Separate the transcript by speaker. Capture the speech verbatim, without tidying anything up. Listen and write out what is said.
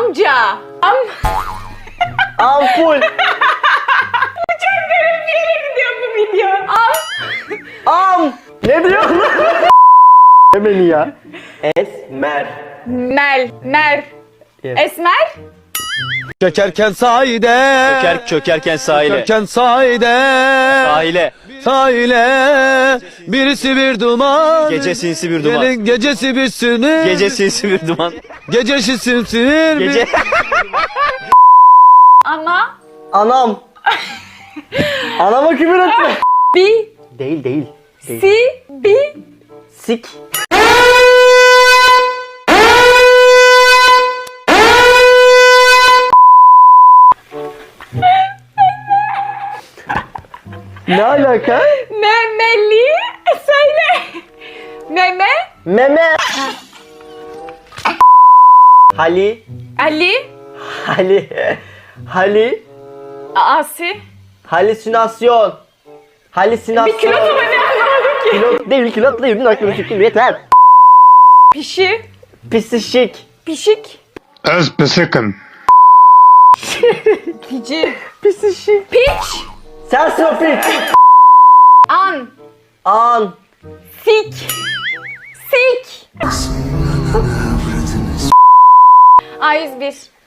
Speaker 1: Amca. Am.
Speaker 2: Ampul.
Speaker 1: Çok garip bir yere gidiyor bu video. Am.
Speaker 2: Am. Ne diyorsun? Ne beni ya? Esmer.
Speaker 1: Mel. Mer.
Speaker 2: Yes.
Speaker 1: Esmer.
Speaker 3: Çökerken sahide.
Speaker 4: Çöker, çökerken sahile.
Speaker 3: Çökerken sahide.
Speaker 4: Sahile.
Speaker 3: Sahile. Birisi bir duman.
Speaker 4: Gece sinsi bir duman.
Speaker 3: Gelin gecesi bir sinir.
Speaker 4: Gece sinsi bir duman.
Speaker 3: Gecesi simsinir.
Speaker 4: Gece.
Speaker 1: Ana.
Speaker 2: Anam. Anama küfür etme.
Speaker 1: Bi.
Speaker 2: Değil değil. değil.
Speaker 1: Si. Bi.
Speaker 2: Sik. Ne alaka?
Speaker 1: Memeli. Söyle. Meme.
Speaker 2: Meme. Hali.
Speaker 1: Ali.
Speaker 2: Hali. Hali.
Speaker 1: Asi.
Speaker 2: Halüsinasyon. Halüsinasyon.
Speaker 1: Bir kilo mu ne anlamadım ki.
Speaker 2: Kilo değil, kilo değil. Aklım çıktı. Yeter.
Speaker 1: Pişi.
Speaker 2: Pisişik.
Speaker 1: Pişik.
Speaker 5: Ez pisikim.
Speaker 1: Pici.
Speaker 2: Pisişik.
Speaker 1: Piç.
Speaker 2: Sensin o piç.
Speaker 1: An.
Speaker 2: An.
Speaker 1: Sik. Sik. A yüz bir.